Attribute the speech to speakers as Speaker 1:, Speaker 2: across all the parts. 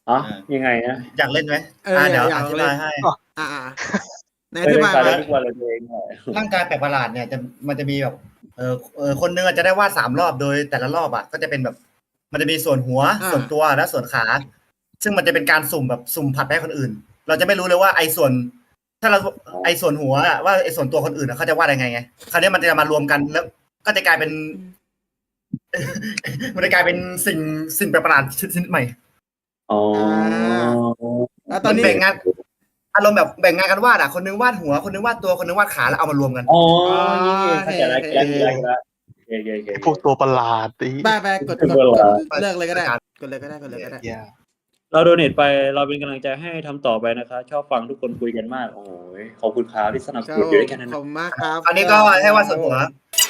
Speaker 1: อ๋อยังไงนะ
Speaker 2: อยากเล่นไหม เดี๋ยวอธิบายให้
Speaker 3: ในอธิบาย
Speaker 1: มาทุกวันเลยตัวเอง
Speaker 2: ร่างกายแปลกประหลาดเนี่ยมันจะมีแบบคนนึงอาจจะได้วาด3 รอบโดยแต่ละรอบก็จะเป็นแบบมันจะมีส่วนหัวส่วนตัวและส่วนขา ซึ่งมันจะเป็นการสุ่มแบบสุ่มผัดให้คนอื่น เราจะไม่รู้เลยว่าไอ้ส่วน ถ้าเราไอ้ส่วนหัวว่าไอ้ส่วนตัวคนอื่นเขาจะวาดยังไงคราวนี้มันจะมารวมกันแล้วก็จะกลายเป็น มันจะกลายเป็นสิ่งแปลกประหลาดชนิดใหม่
Speaker 1: อ๋อ
Speaker 3: ตอนนี้
Speaker 2: แบ่งงานอารมณ์แบบแบ่งงานกันวาดคนนึงวาดหัวคนนึงวาดตัวคนนึงวาดขาแล้วเอามารวมกัน
Speaker 1: อ๋อเข้าใจแล้ว
Speaker 4: พวกตัวประหลาด
Speaker 3: ไปกดเลิกเลยก็ได้กดเลยก็ได้
Speaker 1: เราโดเนทไปเราเป็นกำลังใจให้ทำต่อไปนะคะชอบฟังทุกคนคุยกันมากโอ้ยขอบคุณครับที่สนับสนุนอยู่ด้วยกันนะ
Speaker 3: ขอบคุณมากครับ
Speaker 2: อันนี้ก็ให้วาดส่วนหัว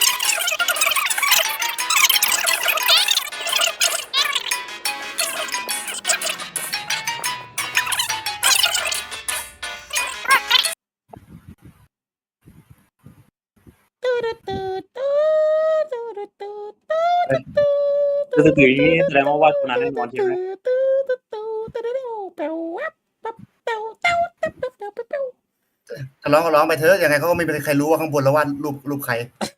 Speaker 1: คือถืออย่างนี้แสดงว่าคนนั้นแน่นอนใช่ไหม
Speaker 2: ร้องไปเถอะยังไงเขาก็ไม่มีใครรู้ว่าข้างบนเราวาดรูปใคร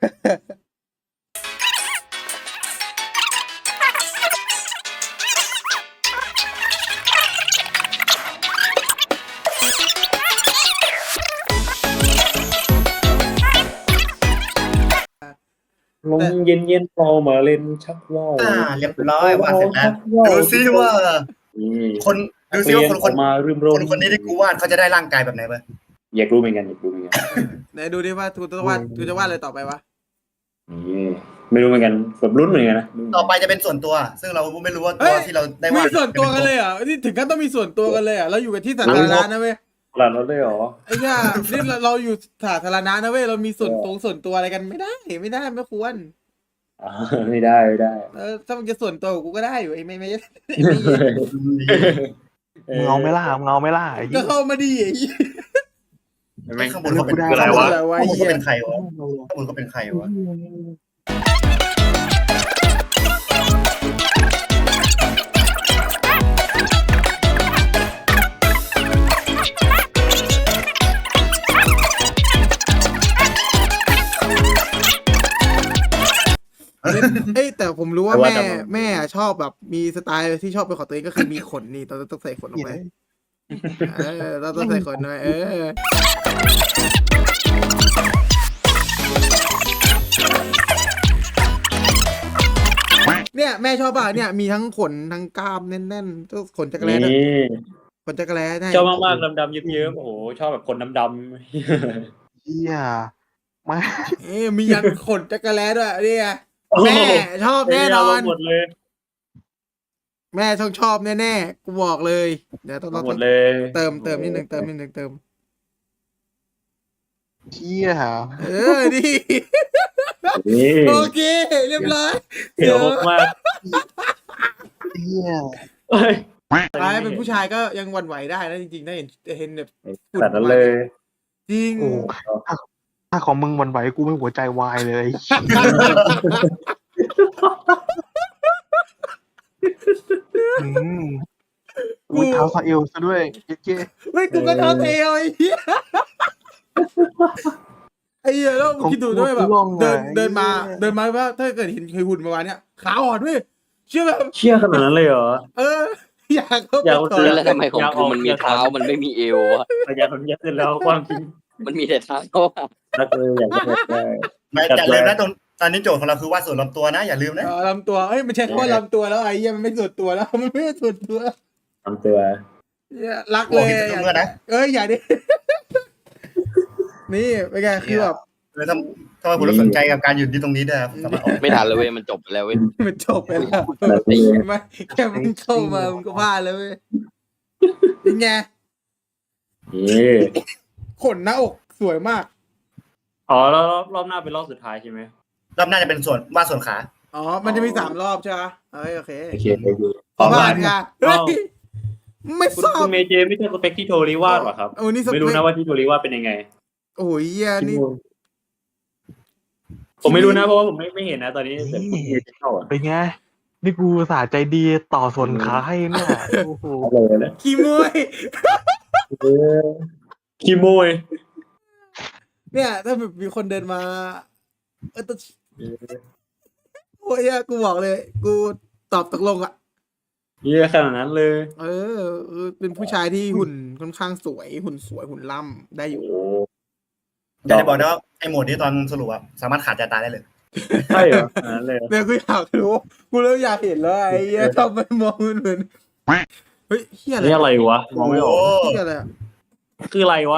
Speaker 1: ลมเย็นๆพอมาเล่นชักว่าว
Speaker 2: เรียบร้อยวาดเสร็จแล้วดูซิว่าคน
Speaker 1: มารื่ม
Speaker 2: คนนี้ที่กูวาดเขาจะได้ร่างกายแบบไหนบ้าง
Speaker 1: อยากรู้เหมือนกัน
Speaker 3: ไหนดูดิว่ากูจะวาดอะไรต่อไปวะ
Speaker 1: ไม่รู้เหมือนกันแบบลุ้นเหมือนกันนะ
Speaker 2: ต่อไปจะเป็นส่วนตัวซึ่งเราไม่รู้ว่าตัวที่เราได้วาด
Speaker 3: มีส่วนตัวกันเลยนี่ถึงขั้นต้องมีส่วนตัวกันเลยเราอยู่กันที่สาธารณะนะเว้ย
Speaker 1: หลานเราได้หรอ
Speaker 3: ไอ้เนี่ยนี่เราอยู่สาธารณะนะเว้ยเรามีส่วนตัวอะไรกันไม่ได้ไม่ควร
Speaker 1: ไม่ได้
Speaker 3: ถ้ามันจะส่วนตัวกูก็ได้อยู่ไม่
Speaker 4: เงาไม่ล่า
Speaker 3: ก็เข้ามาดี
Speaker 2: ข้างบนเขาเป็นอะไรวะข้างบนเขาเป็นใครวะ
Speaker 3: แต่ผมรู้ว่าแม่ชอบแบบมีสไตล์ที่ชอบเป็นของตัวเองก็คือมีขนนี่ต้องใส่ขนลงไปต้องใส่ขนหน่อยเนี่ยแม่ชอบป่ะเนี่ยมีทั้งขนทั้งกล้ามแน่นๆก็ขนจักรแร้ขนจักรแร้
Speaker 1: ชอบมากๆดำๆเยิ้มๆโอ้โหชอบแบบคนดำ
Speaker 4: เฮียไม่
Speaker 3: มียันขนจักรแร้ด้วยนี่ไงแม่ชอบแน่นอน
Speaker 1: หมดเลย
Speaker 3: แม่ชอบแน่ๆกูบอกเลยเดี๋ยวต้อง
Speaker 1: หมดเลย
Speaker 3: เติมนิดนึง
Speaker 4: เฮีย
Speaker 3: ดีโอเคเรียบร้อย
Speaker 1: เดี๋ยวมาก
Speaker 4: เฮีย
Speaker 3: เป็นผู้ชายก็ยังหวั่นไหวได้นะจริงๆได้เห็นแบบ
Speaker 1: ขนาดนั้นเลย
Speaker 3: จริง
Speaker 4: ถ้าของมึงวันไหวกูไม่หัวใจวายเลยกูเท้าซาเอลซะด้วยเจ๊
Speaker 3: เฮ้ยกูก็เท้าเอลไอ้เหี้ยแล้วมึงคิดดูด้วยแบบเดินมาว่าถ้าเกิดเห็นเคยหุ่นประมาณเนี้ยขาอ่อนด้วยเชื่อ
Speaker 1: ขนาดนั้นเลยเหรอ
Speaker 3: อยาก
Speaker 5: แล้วทำไมของกูมันมีเท้ามันไม่มีเอววะ
Speaker 1: อยากเสร็จแล้วความจริง
Speaker 5: มันมีแต่เท้า
Speaker 1: รักเลยอยากได้
Speaker 2: อย่าลืมนะตอนนี้โจทย์ของเราคือวาดส่วนลำตัวนะอย่าลืมนะ
Speaker 3: ลำตัวมันใช่แค่ว่าลำตัวแล้วไอ้เหี้ยมันไม่ส่วนตัวแล้วมันไม่ส่วนตัว
Speaker 1: ลำตัว
Speaker 3: รักเลยอย่าดินี่เป็นไงคือแบบ
Speaker 2: ทำไมคุณสนใจกับการหยุดที่ตรงนี้ด้วย
Speaker 5: ไม่ทันเลยเว้ยมันจบไปแล้วเว้ย
Speaker 3: มันจบไปแล้วไม่แค่มึงเข้ามามึงก็พลาดแล้วเว้ยเป็นไงขนหน้าอกสวยมาก
Speaker 1: แล้วรอบหน้าเป็นรอบสุดท้ายใช่ไหม
Speaker 2: รอบหน้าจะเป็นส่วนวาดส่วนขา
Speaker 3: มันจะมี3 รอบใช่ไหมโอเค
Speaker 1: พอผ่าน
Speaker 3: กันไม่ทราบ
Speaker 1: คุณเมเจไม่ใช่สเปคที่โทริวาดหรอครับไม่รู้นะว่าที่โทริวาดเป็นยังไง
Speaker 3: โอ้ยนี่
Speaker 1: ผมไม่รู้นะเพราะว่าผมไม่เห็นนะตอนนี้
Speaker 4: เป็นไงนี่กูอุตสาห์ใจดีต่อส่วนขาให้เนี่ยโอ้โห
Speaker 1: อะไรนะ
Speaker 3: ขี้มวย
Speaker 1: เออขี้โมย
Speaker 3: เนี่ย ถ้าแบบมีคนเดินมาต้องโอ้ยอะกูบอกเลย กูตอบตกลงอ่ะ
Speaker 1: เยอะขนาดนั้นเลย
Speaker 3: เป็นผู้ชายที่หุ่นค่อนข้างสวย หุ่นสวยหุ่นล่ำได้อยู่
Speaker 1: โอ้
Speaker 2: อยากจะบอกนะว่าไอ้โหมดนี้ตอนสรุปอะสามารถขาดใจตายได้เลย
Speaker 1: ใช่เหรอขนาดนั้นเลย
Speaker 3: เนี่ยกูอยากรู้กูเริ่มอยากเห็นแล้วไอ้เหี้ยทำไมมองมันเหมือนเฮ้ยเฮียอะไร
Speaker 1: นี่อะไรวะมองไม่ออก
Speaker 3: เฮียอะไรอะ
Speaker 1: คืออะไรวะ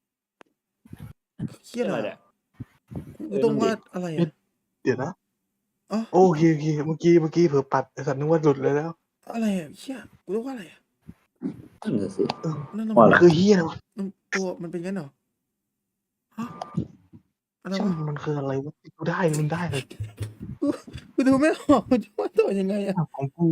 Speaker 3: เฮียอะไร
Speaker 1: เนี่ย
Speaker 3: อะกูต้องว่าอะไรอะ
Speaker 4: เดี๋ยวนะ
Speaker 3: อ๋อ
Speaker 4: โอเคเมื่อกี้เผลอปัดไอ้สัตว์นึกว่าหลุดเลยแล้ว
Speaker 3: อะไรอะเฮียกูต้องว่าอะไรอะ
Speaker 1: นั่นน่ะสิ
Speaker 3: นั่นน่ะ
Speaker 1: ว่า
Speaker 3: มัน
Speaker 1: อะไร
Speaker 4: คือเฮียอะไรวะ
Speaker 3: ตัวมันเป็นงั้นเหรอฮะอะไร
Speaker 4: ช่าง
Speaker 3: วะ
Speaker 4: มันคืออะไรวะกูได้มันได้เลย
Speaker 3: กูดูไม่ออกมันจะว่าตัวยังไงอะ
Speaker 4: ของกู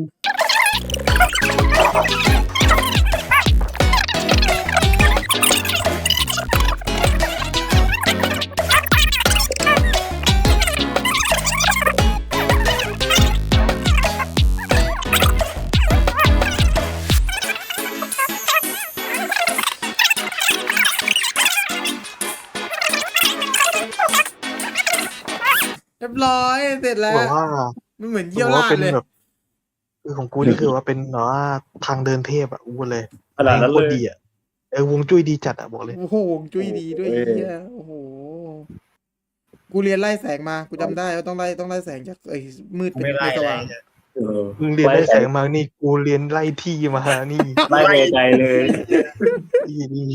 Speaker 3: เรียบร้อยเสร็จแล้ว
Speaker 4: บอกว่า
Speaker 3: มันเหมือน
Speaker 4: บ
Speaker 3: เยี่ย
Speaker 4: อ
Speaker 3: ว
Speaker 4: กว่า
Speaker 3: ราด
Speaker 4: เป็น
Speaker 3: เลย
Speaker 4: แบบคือของกูนี่คือว่าเป็นแบบว่าทางเดินเทพอ่ะอู้เลย
Speaker 1: ขนาดนั้น
Speaker 4: โค
Speaker 1: เล
Speaker 4: ตร
Speaker 1: ย
Speaker 4: ดีอ่ะวงจุ้ยดีจัดอ่ะบอกเลย
Speaker 3: โอ้โหจุ้ยดีด้วย
Speaker 1: โอ้ย
Speaker 3: เฮียโอ้โหกูเรียนไล่แสงมากูจำได้ว่าต้องไล่แสงจากมืดเป็น
Speaker 2: ไม่ไล่
Speaker 3: ส
Speaker 2: อะไร
Speaker 3: ว่าง
Speaker 2: เนี่ย
Speaker 1: เออ
Speaker 4: มึงเรียนไล่แสงมานี่กูเรียนไล่ที่มานี่
Speaker 1: ไล่ไปไกลเลย
Speaker 4: นี่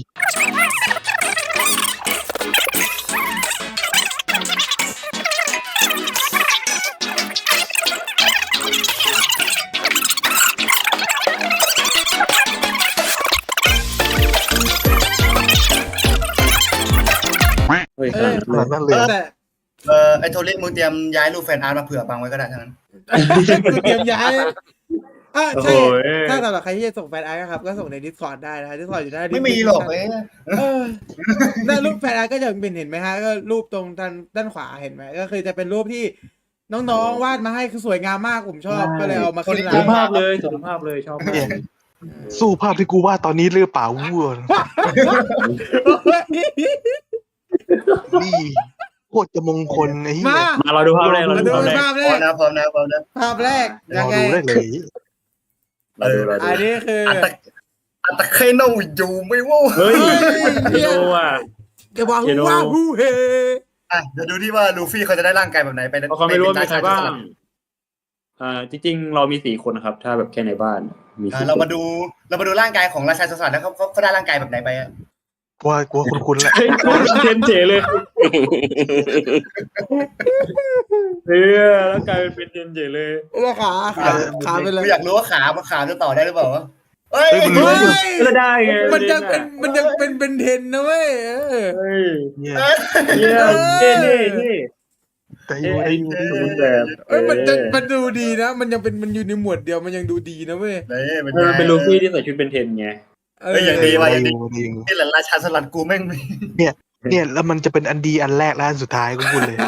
Speaker 1: เฮ้ย
Speaker 3: เอ
Speaker 1: ขนา
Speaker 3: อ
Speaker 1: ดนั้นเลย
Speaker 4: ขนาดนั้นเลยอะ
Speaker 3: แต่
Speaker 2: ไอ้โทริมึงเตรียมย้ายรูปแฟนอาร์ตมาเผื่อบังไว้ก็ได้ทั้งนั้น
Speaker 3: กูเตรียมย้ายอ่ะ
Speaker 1: โอ้โห
Speaker 3: ใช่ถ้าสำหรับใครที่จะส่งแฟนอาร์ตนะครับก็ส่งใน Discord ได้นะฮะ Discord อยู่ได้
Speaker 2: ไม่มีหรอกเอ้ย
Speaker 3: หน้ารูปแฟนอาร์ตก็จะเป็นเห็นไหมฮะก็รูปตรงด้านขวาเห็นไหมก็คือจะเป็นรูปที่น้องๆวาดมาให้คือสวยงามมากผมชอบก็เลยเอามาขึ้นไล
Speaker 1: สุ
Speaker 3: น์
Speaker 1: ภาพเลยสุภาพเลยชอบมาก
Speaker 4: เนี่ยสู้ภาพที่กูวาดตอนนี้หรือเปล่าวัวนี่โคตรจะมงคลไอ้เหี้
Speaker 3: มาย
Speaker 1: มาเราดูภาพแรกเรา
Speaker 3: มา
Speaker 1: ดู
Speaker 3: ดู
Speaker 1: ภาพแร
Speaker 3: ภาก พแร
Speaker 2: พร้อก มนะพร้อมนะพร้อมนะ
Speaker 3: ภาพแรก
Speaker 4: ร
Speaker 3: ยั
Speaker 4: อง
Speaker 3: ไง
Speaker 4: ดูได้เลย
Speaker 1: เราดูเราดู
Speaker 3: อันนี้คือ
Speaker 2: อัตเคโนอยู่ไม่ว่า
Speaker 1: เฮ้ยไม่รู้อ่ะ
Speaker 3: แกว่าฮู้ว่าฮู้เฮ
Speaker 2: เดี๋ยวดูที่ว่าลูฟี่เขาจะได้ร่างกายแบบไหนไป
Speaker 1: เพราะเขาไม่รู้ว่ามีใครบ้างจริงๆเรามี4 คนนะครับ ถ้าแบบแค่ในบ้านมี4
Speaker 2: เรามาดูร่างกายของราชาโจรสลัดแล้วเขาได้ร่างกายแบบไหนไปอะ
Speaker 4: กลัวคุ้นๆแหละ
Speaker 1: เฮ้ยเทนเจเลยเฮ้ยแล้วกลายเป็นเทนเจเลย
Speaker 3: แล้วขาเป็นอะไร
Speaker 2: กูอยากรู้ว่าขาจะต่อได้หรือเปล่าวะเฮ้ย
Speaker 3: เฮ้ย
Speaker 1: ก็ได้ไง
Speaker 3: มันยังเป็นเทนนะเว้ย
Speaker 1: เฮ้ย
Speaker 4: เนี่ย
Speaker 1: เยี่ยมเท่เท่
Speaker 4: แต่อ
Speaker 1: เท่
Speaker 4: ยู่
Speaker 1: ไอ้
Speaker 4: ใน
Speaker 1: ดูแบบ
Speaker 3: เอ้ยมันดูดีนะมันอยู่ในหมวดเดียวมันยังดูดีนะเว้ย
Speaker 1: เป็นลูฟี่ที่ใส่ชุดเป็นเทนไง
Speaker 2: อย่างดีว่ะอย่างดี
Speaker 4: จริง
Speaker 2: นี่แหละราชาโจรสลัดกูแม่ง
Speaker 4: เนี่ยแล้วมันจะเป็นอันดีอันแรกและอันสุดท้ายกูพูดเลย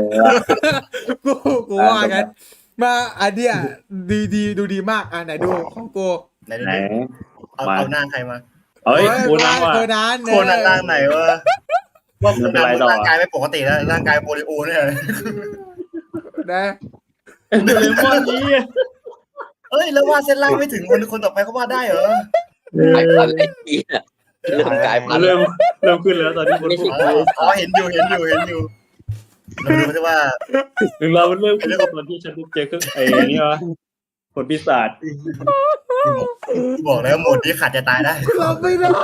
Speaker 3: กูว่ากันมาอันเนี้ยดีดูดีมากอ่ะไหนดูของกู
Speaker 2: ไหน
Speaker 1: ไหน
Speaker 2: เอาหน้าใครมา
Speaker 1: เฮ้ยโคนันว่ะ
Speaker 3: โคนัน
Speaker 2: โคนันร่างไหนวะว่าโคนันร่างกายไม่ปกติแล้วร่างกายโปลิโอเนี่ย
Speaker 3: นะ
Speaker 1: โดเรมอนนี้
Speaker 2: เฮ้ยแล้ววาดเส้นล่างไม่ถึงคนต่อไปเขาวาดได้เหรอ
Speaker 5: กลายพันธุ์ไอ้เหี้ยเริ่มกลายพันธุ์
Speaker 1: เริ่มขึ้นแล้วตอนนี้คนพูด
Speaker 2: เห็นอยู่เราดูที่ว่า
Speaker 1: ถึงเราเริ่มขึ้นตอนที่ฉันเจอเครื่องไอ้นี่วะผลปีศาจ
Speaker 2: บอกแล้วโหมดนี้ขาดจะตายได้
Speaker 3: รับไม่ได้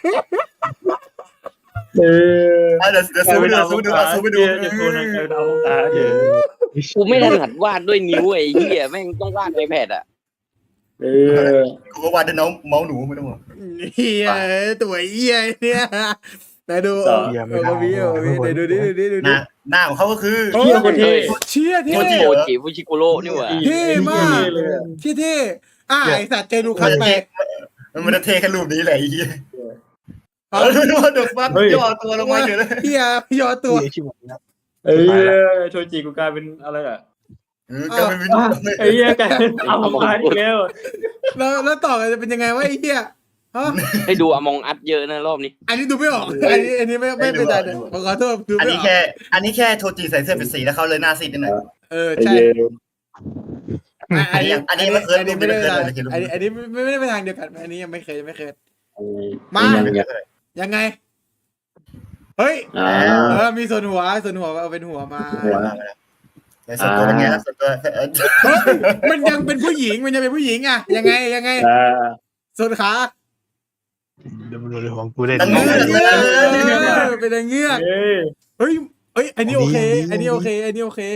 Speaker 1: เ
Speaker 2: ดี๋ยวซูมไปดู
Speaker 1: จะโทรนะจะเอาตาเดี๋ยว
Speaker 5: กูไม่ถนัดวาดด้วยนิ้วไอ้เหี้ยแม่งต้องวาดในแพดอ่ะ
Speaker 2: กูก็วาดด้วยน้องเมาส์หนูไม่ต้องห่วง
Speaker 3: เฮียตัวเฮียเนี่ยไหนดูพี่ไหนดูดิ
Speaker 2: หน้าของเขาก็คือ
Speaker 1: เที่ยวคนที่
Speaker 3: เชี่ยเท่
Speaker 5: โมจิฟูชิโกโร่นี่หว่า
Speaker 3: เท่มากเท่ไอสัตว์เจอลูคัสไป
Speaker 2: มันจะเทแค่รูปนี้แหละไอ้เหี้ยดูว่าเดือดฟัดย่อตัวลงมาเฉยเลย
Speaker 3: เฮียย่อตัว
Speaker 4: ชิบหายแล้ว
Speaker 1: โชจิกูกลายเป็นอะไรอ่ะ
Speaker 2: ก็ไม่เป็น
Speaker 1: ไอ้เหี้ยกลายเป็นเอามาอีกแล้ว
Speaker 3: แล้วต่อกันจะเป็นยังไงวะไอ้เหี้ยฮะ
Speaker 5: ให้ดูอมองอัดเยอะนะรอบนี้
Speaker 3: อันนี้ดูไม่ออกอันนี้ไม่เป็นไรเลยขอโทษดู
Speaker 2: อัน
Speaker 3: ไม่
Speaker 2: นี้
Speaker 3: ออก
Speaker 2: อันนี้แค่โทจิใส่เสื้อเป็นสีแล้วเขาเลยหน้าซีดนิดหน่อย
Speaker 1: ไอ้
Speaker 3: ใช่
Speaker 1: เหี้ย
Speaker 2: อันนี้ไม่เคย
Speaker 3: อันนี้ไม่ได้
Speaker 2: ไม่เคย
Speaker 3: อันนี้ไม่ได้ไปทางเดียวกันอันนี้ยังไม่เคยมา
Speaker 1: ยังไง
Speaker 3: ยังไงเฮ้ย มีส่วนหัวเอาเป็นหัวมา
Speaker 1: หัว
Speaker 2: ส่วนตัวเป็นไงครับส่วนตัว
Speaker 3: มันยังเป็นผู้หญิงมันยังเป็นผู้หญิงอ่ะยังไงส่วนขา
Speaker 4: เดี๋ยวมันดูของกูได้
Speaker 2: ตั้ง
Speaker 4: ดี
Speaker 2: เงื่อน
Speaker 3: เป็นเงือกเฮ้ยอันนี้โอเคอันนี้โอเค
Speaker 1: ได้
Speaker 2: โอเค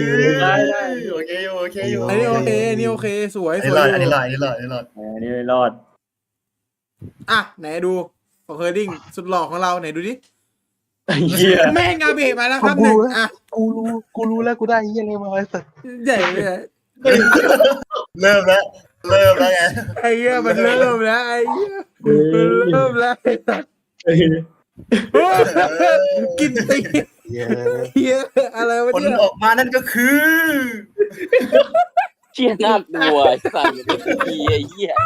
Speaker 2: อยู่
Speaker 3: อันนี้โอเคสวย
Speaker 2: อันนี้รอด
Speaker 1: อันนี้ไม่รอด
Speaker 3: อ่ะไหนดูของเฮอร์ดิ้งสุดหล่อของเราไหนดูดิ
Speaker 1: ไอ้เหี้ย
Speaker 3: แม่งาเบะมาแล้วครับหนึ่งอ่ะ
Speaker 4: กูรู้แล้วกูได้เหี้ยอะไรมาไอ้สัส
Speaker 3: ใหญ่เลย
Speaker 2: เริ่มแล้วไง
Speaker 3: ไอ้เหี้ยมันเริ่มแล้วไอ้เหี้ยมันเริ่มแล้วกินตี
Speaker 4: เหี้ย
Speaker 3: เหี้ยอะไรวะ
Speaker 2: ผล
Speaker 3: เนี่ย
Speaker 2: ออกมานั่นก็คือ
Speaker 5: เชี่ยน่ากลัวไอ้สัตว์ไอ้เหี้ย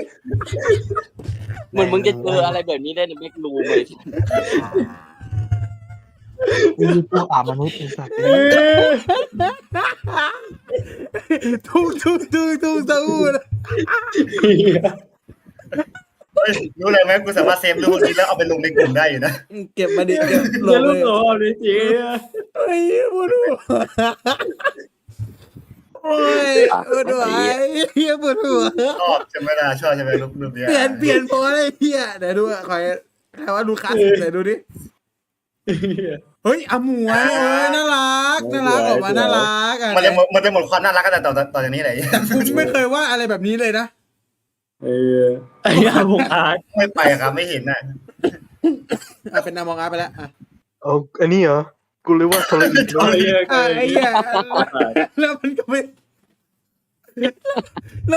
Speaker 5: เหมือนมึงจะเจออะไรแบบนี้ได้ในแม็กรูมเลย
Speaker 4: กูตัวอ่ามนุษย์ไอ้สัส
Speaker 3: ทุกสะอูด
Speaker 2: รู้เลยไหมกูสามารถเซฟรูปนี้แล้วเอาไปลงในกลุ่มได้อยู่นะ
Speaker 3: เก็บมาดิเก็บหล
Speaker 1: เดี๋ยว
Speaker 3: บ
Speaker 1: ลู
Speaker 3: เล
Speaker 1: ก
Speaker 3: ย
Speaker 1: โซ่เลยจริง
Speaker 3: ไอ้เหี้ยปวดหัวโอ้ยปวดหัวเหี้ยปวดหัว
Speaker 2: ชอบใช่ไหมล่ะชอบใช่ไหมรูปนี้
Speaker 3: เปลี่ยนพอเลยเหี้ยไหนดูอ่ะคอยใครว่าดูคลาสสิกไหนดูดิเฮ้ยอาหมวยน่ารักออกมาน่ารักอ่ะ
Speaker 2: มันจะหมดความน่ารักกันต่อจากนี้เลย
Speaker 3: กูไม่เคยว่าอะไรแบบนี้เลยนะ
Speaker 1: ไอ้อาบุกอาร์ต
Speaker 2: ไม่ไปครับไม่เห็นน่ะ
Speaker 3: เป็นนามองอาร์ไปแล้วอ่ะ
Speaker 4: เอาอันนี้เหรอกูรู้ว่าโทรอีก
Speaker 1: ไอ้เหี้ย
Speaker 3: ไอ้เหี้ยแล้วมันก็ไม่แล้ว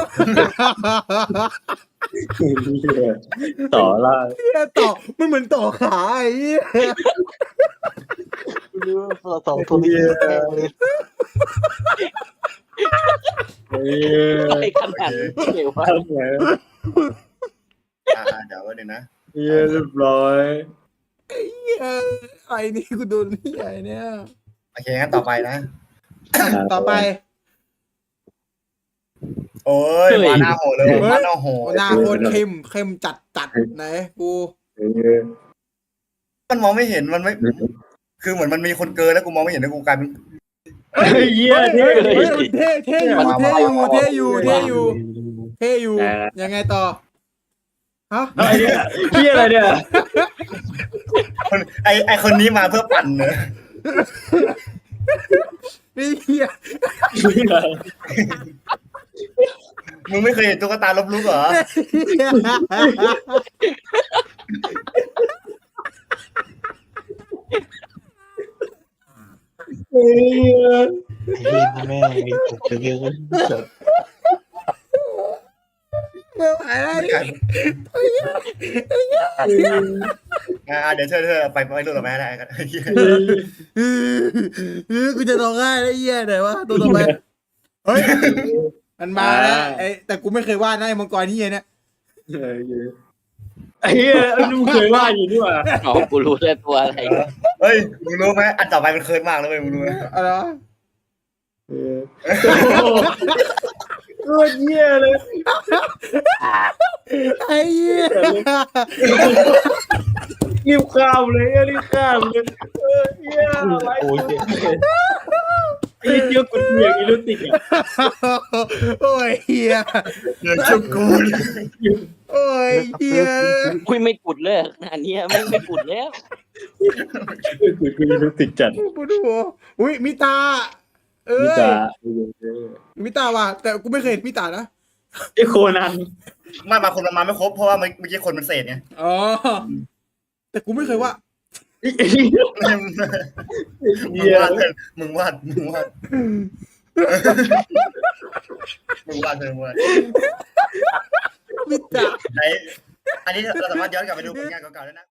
Speaker 1: ต่อล่า
Speaker 3: ต่อมันเหมือนต่อขาไอ้เหี้ย
Speaker 4: กูรู้ว่าเราสองโทรอีก
Speaker 5: อะไรขนาดนี้เลยวะ
Speaker 1: ทำไง
Speaker 2: เดี๋ยววันนึงนะ
Speaker 1: เรียบร้อย
Speaker 3: ไอ้นี่กูโดนนี่ไอ้เนี่ย
Speaker 2: โอเคงั้นต่อไปนะ
Speaker 3: ต่อไป
Speaker 2: โอ้ยมาหน้าโหเลยมาหน้าโห
Speaker 3: หน้าโคตรเข้มจัดไหนกู
Speaker 2: มันมองไม่เห็นมันไม่ คือเหมือนมันมีคนเกินแล้วกูมองไม่เห็นแล้วกูกลายเป็น
Speaker 1: ไอ้เหี้ยเท่
Speaker 3: เท่อยู่ยังไงต่อฮะ
Speaker 1: ไอ้เนี่ยเหี้ยอะไรเนี่ย
Speaker 2: ไอคนนี้มาเพื่อปั่นเนอะ
Speaker 3: นี่เหี้ย
Speaker 2: มึงไม่เคยเห็นตุ๊กตาลบลุกเหรอ
Speaker 1: ไอ้เหี้ย
Speaker 4: ไอ้เหี้ยแม่งไอ้ผมจะเรียกว่าสัส
Speaker 3: ไม่ไหวแล้ว
Speaker 2: เดี๋ยวเธอไปรูปต่อไปได้กัน
Speaker 3: กูจะร้องไห้แล้วเหี้ยไหนวะตัวต่อไปเฮ้ยมันมาแล้วแต่กูไม่เคยวาดนะไอ้มังกรที่เนี่ย
Speaker 1: ไอ้เหี้ยมึงเคยว่าอยู่นี่หว่า
Speaker 5: อ๋อกูรู้แล้วตัวอะไร
Speaker 2: เฮ้ยมึงรู้ไหมอันต่อไปมันเคิร์ดมากแล้วเว้ยมึงรู้ไหม
Speaker 3: อะไรวะ
Speaker 1: โคตรเหี้ยเลย
Speaker 3: ไอ้เหี้ย
Speaker 1: รีบข้ามเลยรีบข้ามเลยเหี้ยอะไร
Speaker 4: โอ้ยเจ็บ
Speaker 1: ไอ้เหี้ยกุดเหวี่ยงอีลูติกอ่ะ
Speaker 3: โอ้ยเหี้ย
Speaker 2: เดี๋ยวชุบกู
Speaker 3: โอ้ยเหี้ย
Speaker 5: คุยไม่กุดเลยอันนี้ไม่กุดแล้ว
Speaker 1: กุดอีลูติกจัด
Speaker 3: ปวดหัวอุ้ยมิตาเอ้
Speaker 1: มิ
Speaker 3: ย
Speaker 1: ตา
Speaker 3: มิตาว่ะแต่กูไม่เคยเห็นมิตานะ
Speaker 1: ไอ้โคนัน
Speaker 2: ไม่มาคนมันมาไม่ครบเพราะว่าเมื่อกี้คนมันเศษไง
Speaker 3: อ๋อแต่กูไม่เคยว่า
Speaker 1: ไอ้เหี้ย
Speaker 2: มึงวาดมึงวาด
Speaker 3: มิตา
Speaker 2: ไหนอันนี้เราสามารถย้อนกลับไปดูผลงานเก่าๆได้นะ